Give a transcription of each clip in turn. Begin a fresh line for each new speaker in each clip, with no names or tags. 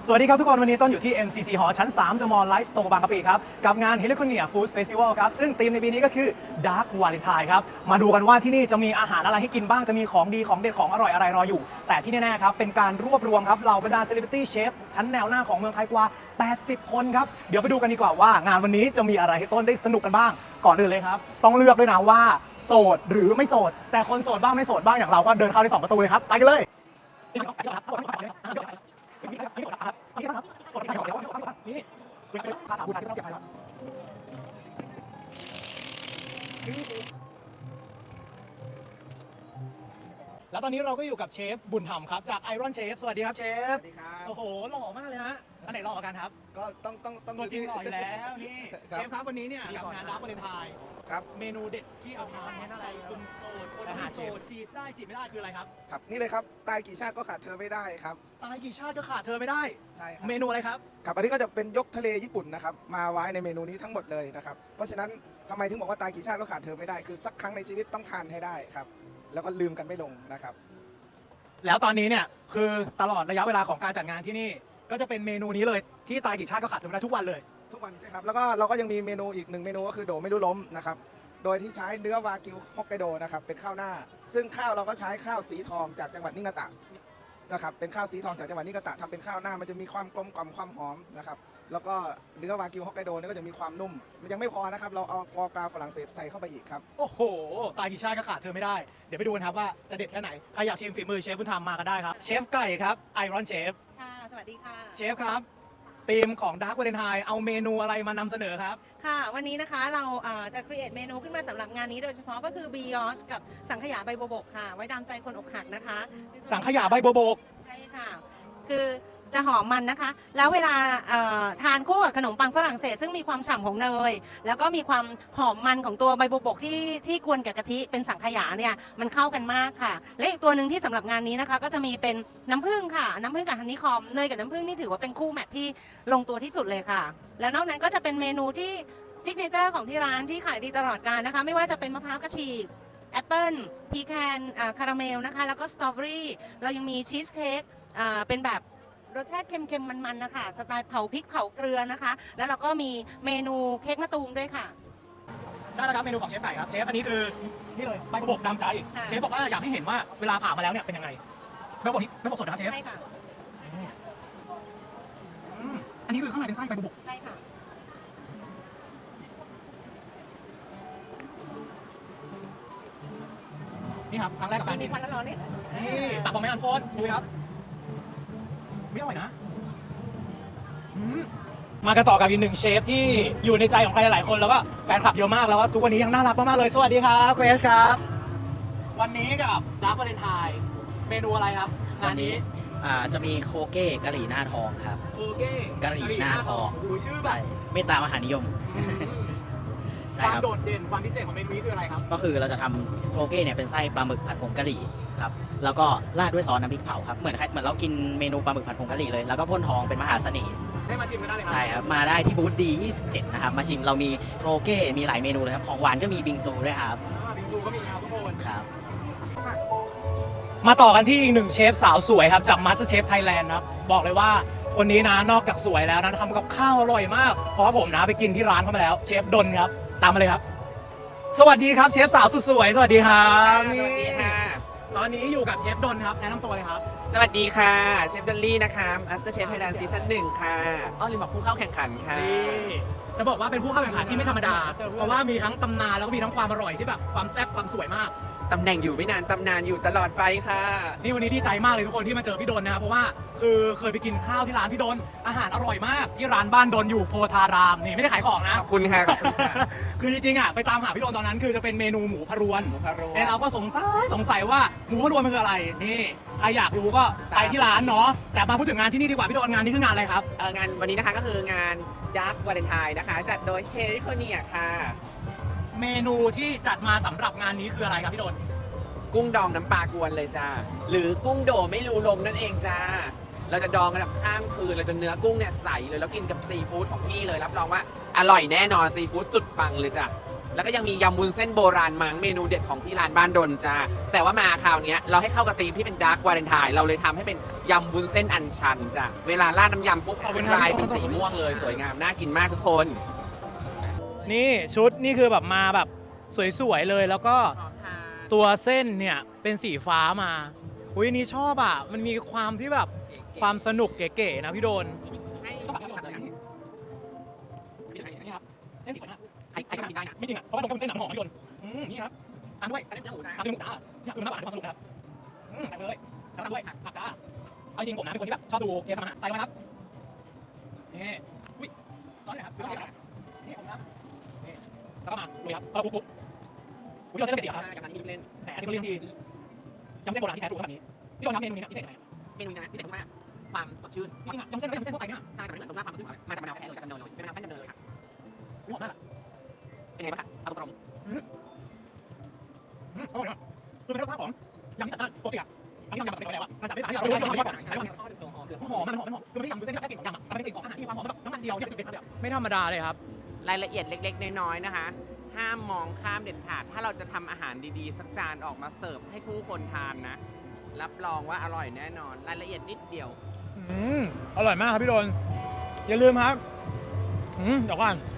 สวัสดีครับทุกคนวันนี้ต้นอยู่ที่ MCC Hall ชั้น 3 The Mall Life Store บางกะปิครับกับงาน Heliconia Food Festival ครับซึ่งธีมในปีนี้ก็คือ Dark Valentine ครับมาดูกันว่าที่นี่จะมีอาหารอะไรให้กินบ้างจะมีของดีของเด็ดของอร่อยอะไรรออยู่แต่ที่แน่ๆครับเป็นการรวบรวมครับเหล่าบรรดา Celebrity Chef ชั้นแนวหน้าของเมืองไทยกว่า80 คนครับเดี๋ยวไปดูกันดีกว่าว่างานวันนี้จะมีอะไรให้ต้นได้สนุกกันบ้างก่อนอื่นเลยครับต้องเลือกด้วยนะว่าโสดหรือไม่โสดแต่คนโสดบ้างไม่โสดบ้างอย่างเราก็เดินเข้าได้2ประตูเลยครับไปกันเลยแล้วตอนนี้เราก็อยู่กับเชฟบุญธรรมครับจาก Iron Chef สวัสดีครับเชฟ
สวัสดีครับ
โอ้โหหล่อมากเลยฮะอันไหนหล่อกว่ากันครับ
ก็ต้อง
ตัวจริงหล่ออยู่แล้วนี่เชฟครับวันนี้เนี่ยกับงานDark Valentine
ครับ
เมนูเด็ดที่เอาทำเนี่ยอะไรคุณโสดคนไม่โสดจีบได้จีบไม่ได้คืออะไรครับ
ครับนี่เลยครับตายกี่ชาติก็ขาดเธอไม่ได้ครับ
ตายกี่ชาติก็ขาดเธอไม่ได้
ใช่ครับ
เมนูอะไรครับ
ครับอันนี้ก็จะเป็นยกทะเลญี่ปุ่นนะครับมาไว้ในเมนูนี้ทั้งหมดเลยนะครับเพราะฉะนั้นทำไมถึงบอกว่าตายกี่ชาติก็ขาดเธอไม่ได้คือสักครั้งในชีวิตต้องทานให้ได้ครับแล้วก็ลืมกันไม่ลงนะครับ
แล้วตอนนี้เนี่ยคือตลอดระยะเวลาของการจัดงานที่นี่ก็จะเป็นเมนูนี้เลยที่ตายกี่ชาติก็ขาดเธอไม่ได้ทุกวันเลย
ทุกวันใช่ครับแล้วก็เราก็ยังมีเมนูอีกหนึ่งเมนูก็คือโดไม่รู้ล้มนะครับโดยที่ใช้เนื้อวากิวฮอกไกโดนะครับเป็นข้าวหน้า ซึ่งข้าวเราก็ใช้ข้าวสีทองจากจังหวัดนิงาตะนะครับเป็นข้าวสีทองจากจังหวัดนิงาตะทำเป็นข้าวหน้ามันจะมีความกลมกล่อมความหอมนะครับแล้วก็เนื้อวากิวฮอกไกโดนี่ก็จะมีความนุ่มมันยังไม่พอนะครับเราเอาฟอร์กราฝรั่งเศสใส่เข้าไปอีกครับ
โอ้โหตายกี่ชาติก็ขาดเธอไม่ได้เดี๋ยวไปดูกันครับว่าจะเด็ดแค่ไหนใครอยากชิมฝีมือเชฟบุญธรรมมาก็ได้ครับเชฟไก่ครับ Iron Chef
ค่ะ สวัสดีค่ะ
เชฟครับธีมของ Dark Valentine เอาเมนูอะไรมานำเสนอครับ
ค่ะ วันนี้นะคะเราจะ create เมนูขึ้นมาสำหรับงานนี้โดยเฉพาะก็คือ brioche กับสังขยาใบบัวบกค่ะ ไว้ดามใจคนอกหักนะคะ
สังขยาใบบัวบก
ใช่ค่ะ คือจะหอมมันนะคะ แล้วเวลาทานคู่กับขนมปังฝรั่งเศสซึ่งมีความฉ่ำของเนย แล้วก็มีความหอมมันของตัวใบบัวบกที่กวนกับกะทิเป็นสังขยาเนี่ยมันเข้ากันมากค่ะ และอีกตัวหนึ่งที่สำหรับงานนี้นะคะก็จะมีเป็นน้ำผึ้งค่ะน้ำผึ้งกับฮันนี่คอมเนยกับน้ำผึ้งนี่ถือว่าเป็นคู่แมทที่ลงตัวที่สุดเลยค่ะ แล้วนอกนั้นก็จะเป็นเมนูที่ซิกเนเจอร์ของที่ร้านที่ขายดีตลอดกาลนะคะไม่ว่าจะเป็นมะพร้าวกระฉีกแอปเปิลพีแคนคาราเมลนะคะแล้วก็สตรอเบอรี่เรายังมีชีสเค้กเป็นแบบรสชาติเค็มๆมันๆนะคะสไตล์เผาพริกเผาเกลือนะคะแล้วเราก็มีเมนูเค้กมะตูมด้วยค่ะ
ได้แล้วครับเมนูของเชฟไก่ครับเชฟอันนี้คือนี่เลยใบบัวบกดำใจ
ค่ะ
เชฟบอกว่าอยากให้เห็นว่าเวลาผ่ามาแล้วเนี่ยเป็นยังไงใบบัวบกนี้ใบบัวบกสดนะครับเชฟ
ใช่ค่ะ
อันนี้คือข้างในเป็นไส้ใบบัวบก
ใช่ค่ะ
นี่ครับครั้งแรกกับการ
มี
กิน
ควันร้อนๆเนี่ย
นี่ตักบอกไม่อันโฟนดูครับไม่อร่อยนะมากันต่อกับอีกหนึ่งเชฟที่อยู่ในใจของใครหลายๆคนแล้วก็แฟนคลับเยอะมากแล้วก็ทุกวันนี้ยังน่ารักมากๆเลยสวัสดีครับเควสครับวันนี้กับดาร์กวาเลนไทน์เมนูอะไรครับงานนี้
จะมีโคเก้กะหรี่หน้าทองครับ
โคเก้
กะหรี่หน้าทอง
โอ้โหชื่อแบ
ใช่
บ
เมตตามหานิยม
ค
ใช่
วาม
ครับ
โดดเด่นความพิเศษของเมนูนี้คืออะไรครับ
ก็คือเราจะทำโคเก้เนี่ยเป็นไส้ปลาหมึกผัดผงกะหรี่ครับแล้วก็ราดด้วยซอสน้ำพริกเผาครับเหมือนเรากินเมนูปลาหมึกผัดผงกะหรี่เลยแล้วก็พ่นทองเป็นมหาเสน่ห์
ได้มาชิมกันได้เลยครั
ใช่ครับมาได้ที่บูธดี27นะครับมาชิมเรามีโคเก้มีหลายเมนูเลยครับของหวานก็มีบิงซูด้วยครับ
บิงซูก็มีครับทุกคน
ครับ
มาต่อกันที่อีกหนึ่งเชฟสาวสวยครับจาก MasterChef Thailand ครับบอกเลยว่าคนนี้นะนอกจากสวยแล้วนะทำกับข้าวอร่อยมากเพราะว่าผมนะไปกินที่ร้านเขามาแล้วเชฟดนครับตามมาเลยครับ สวัสดีครับเชฟสาวสุดสวยสวัสดีครับ
สวัสดีค่ะ
ตอนนี้อยู่กับเชฟดนครับแนะนำตัวเลยครับ
สวัสดีค่ะ เชฟดอลลี่นะคะ Master Chef Thailand Season 1 ค่ะอ้อลืมบอกผู้เข้าแข่งขันค่ะ
นี่จะบอกว่าเป็นผู้เข้าแข่งขันที่ไม่ธรรมดา เพราะว่ามีทั้งตำนานแล้วก็มีทั้งความอร่อยที่แบบความแซ่บความสวยมาก
ตำแหน่งอยู่ไม่นาน ตำนานอยู่ตลอดไปค่ะ
นี่วันนี้ดีใจมากเลยทุกคนที่มาเจอพี่ดนนะครับเพราะว่าคือเคยไปกินข้าวที่ร้านพี่ดนอาหารอร่อยมากที่ร้านบ้านดนอยู่โพธารามนี่ไม่ได้ขายของนะ
ขอบคุณค่ะ ขอบคุณค่ะ
คือจริงๆอ่ะไปตามหาพี่ดนตอนนั้นคือจะเป็นเมนูหมูพะรวน
หมูพะโล้
แต่เราก็สงสัยว่าหมูพะรวนมันคืออะไรนี่ใครอยากรู้ก็ไปที่ร้านเนาะแต่มาพูดถึงงานที่นี่ดีกว่าพี่ดนงานนี้คืองานอะไรครับ
งานวันนี้นะคะก็คืองาน Dark Valentine นะคะ จัดโดย Heliconia ค่ะ
เมนูที่จัดมาสำหรับงานนี้คืออะไรครับพี่ดน
กุ้งดองน้ำปลากวนเลยจ้า หรือกุ้งโดไม่รู้ลมนั่นเองจ้า เราจะดองกันแบบข้ามคืนเราจะเนื้อกุ้งเนี่ยใสเลยแล้วกินกับซีฟู้ดของพี่เลยรับรองว่าอร่อยแน่นอนซีฟู้ดสุดปังเลยจ้ะแล้วก็ยังมียำวุ้นเส้นโบราณมังเมนูเด็ดของที่ร้านบ้านดนจ้าแต่ว่ามาคราวเนี้ยเราให้เข้ากับธีมที่เป็นดาร์กวาเลนไทน์เราเลยทำให้เป็นยำวุ้นเส้นอัญชันจ้ะเวลาราดน้ำยำปุ๊บจะกลายเป็นสีม่วงเลยสวยงามน่ากินมากทุกคน
นี่ชุดนี่คือแบบมาแบบสวยๆเลยแล้วก็ตัวเส้นเนี่ยเป็นสีฟ้ามาอุ้ยอันนี้ชอบอ่ะมันมีความที่แบบความสนุกเก๋ๆนะพี่โดนเส้นสีฟ้าใครก็กินได้นะไม่จริงอ่ะเพราะว่าตรงเป็นเส้นหนังหอมพี่โดนนี่ครับตามด้วยตามด้วยหมูจ้าเนี่ยคือน้ำหวานความสนุกครับใส่เลยตามด้วยผักจ้าเอาจริงผมนะเป็นคนที่แบบชอบดูเชฟทำอาหารใส่ไว้ครับนี่อุ้ยซ้อนเลยครับเชฟนี่ผมนะแล้วก็มาลุยครับเราคุกอุ้ยเราเส้นเป็นสีครับแหมที่เขาเรียกทียำเส้นโบราณที่แท้ทรูขนาดนี้พี่โดนทำเมนูนี้พิเศษยังไง
เมนูนี้นะพิเศษมากความสดชื่น
จริงๆยำเส้นก็ยำเส้นทั่วไปเนี่ย
ใช่แต่ไม่เหมือนตรงหน้าความสดชื่นมาจากมะนาวแท้เลยจากดำเนินเลยเป็นมะนาวแป้นดำเนินเลยค่ะ
หอมมาก
เป็นไงบ้างคะเอาตรง
อร่อยนะคือเป็นรสชาติของยำที่จัดจ้านปกติอ่ะอันนี้ยำแบบเป็นอะไรวะมันจัดได้สารที่เราไม่ได้หอมมันหอมคือไม่ได้ยำคือเส้นแค่กลิ่นของยำอ่ะแต่เป็นกลิ่นของอาหารที่มีความหอมแบบน้ำมันเจียวเนี่ยคือเป็นไม่ธรรมดาเลยครับ
รายละเอียดเล็กๆน้อยๆนะคะ ห้ามมองข้ามเด็ดขาดถ้าเราจะทำอาหารดีๆสักจานออกมาเสิร์ฟให้ผู้คนทานนะรับรองว่าอร่อยแน่นอนรายละเอียดนิดเดียว
อร่อยมากครับพี่โดนอย่าลืมครับเดี๋ยวก่อน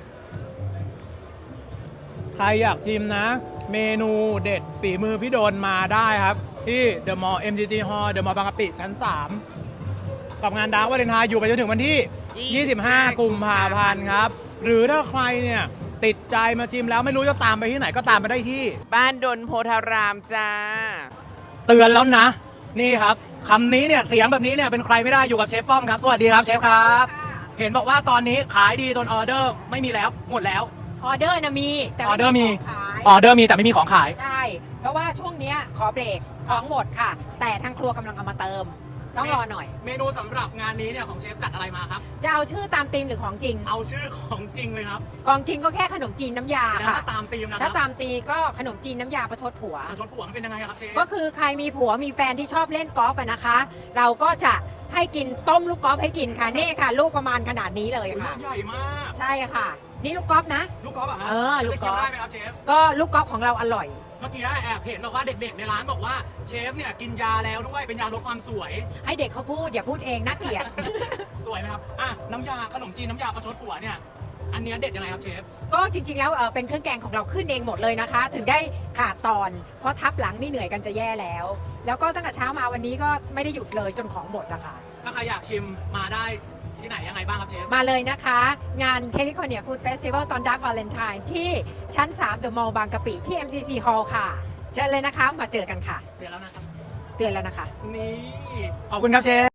ใครอยากชิมนะ เมนูเด็ดฝีมือพี่โดนมาได้ครับ ที่เดอะมอลล์ MGT Hall เดอะมอลล์บางกะปิชั้น 3 กับงานดาร์กวาเลนไทน์อยู่ไปจนถึงวันที่ 25 กุมภาพันธ์ครับ หรือถ้าใครเนี่ยติดใจมาชิมแล้วไม่รู้จะตามไปที่ไหนก็ตามไปได้ที่
บ้านดนโพธารามจ้า
เตือนแล้วนะ นี่ครับคำนี้เนี่ยเสียงแบบนี้เนี่ยเป็นใครไม่ได้อยู่กับเชฟป้อมครับสวัสดีครับเชฟครับ เห็นบอกว่าตอนนี้ขายดีจนออเดอร์ไม่มีแล้วหมดแล้ว
ออเดอร์นะมีแต่
ออเดอร์มี
ขาย
ออเดอร์มีแต่ไม่มีของขาย
ใช่เพราะว่าช่วงเนี้ยขอเบรกของหมดค่ะ แต่ทางครัวกำลังเอามาเติม ต้องรอหน่อย
เมนูสำหรับงานนี้เนี่ยของเชฟจัดอะไรมาครับ
จะเอาชื่อตามธีมหรือของจริง
เอาชื่อของจริงเลยครับ
ของจริงก็แค่ขนมจีนน้ำยา
แล้ว
ค่ะ
ถ้าตามธีมนะค
ถ้า
รับ
ตามตีก็ขนมจีนน้ำยาประชดผัว
ชดผัวมันเป็นยังไงครับเชฟ
ก็คือใครมีผัวมีแฟนที่ชอบเล่นกอล์ฟอะนะคะ เราก็จะให้กินต้มลูกกอล์ฟให้กินค่ะนี่ค่ะ ลูกประมาณขนาดนี้เลยค่ะ
ใหญ่มาก
ใช่ค่ะ นี่ลูกกอล์ฟนะ
ลูกกอล์ฟอะฮะ
ลูกกอล์ฟ
จะได้ไหมครับเชฟ
ก็ลูกกอล์ฟของเราอร่อย
เมื่อกี้ได้แอบเห็นบอกว่าเด็กๆในร้านบอกว่าเชฟเนี่ยกินยาแล้วด้วยเป็นยาลดความสวย
ให้เด็กเขาพูดอย่าพูดเองน่าเกลียด
สวยไหมครับอ่ะน้ำยาขนมจีนน้ำยาประชดผัวเนี่ยอันเนี้ยเด็ดยังไงครับเชฟ
ก็จริงๆแล้วเป็นเครื่องแกงของเราขึ้นเองหมดเลยนะคะ ถึงได้ขาดตอน เพราะทับหลังนี่เหนื่อยกันจะแย่แล้ว แล้วก็ตั้งแต่เช้ามาวันนี้ก็ไม่ได้หยุดเลยจนของหมดนะคะ
ถ้าใครอยากชิมมาได้ที่ไหนยังไงบ้างครับเชฟ
มาเลยนะคะ งาน California Food Festival ตอน Dark Valentine ที่ชั้น 3 The Mall บางกะปิที่ MCC Hall ค่ะเชิญเลยนะคะมาเจอกันค่ะ
เดี๋ยวแล้วนะครับ
เตือนแล้วนะคะ
นี่ขอบคุณครับเชฟ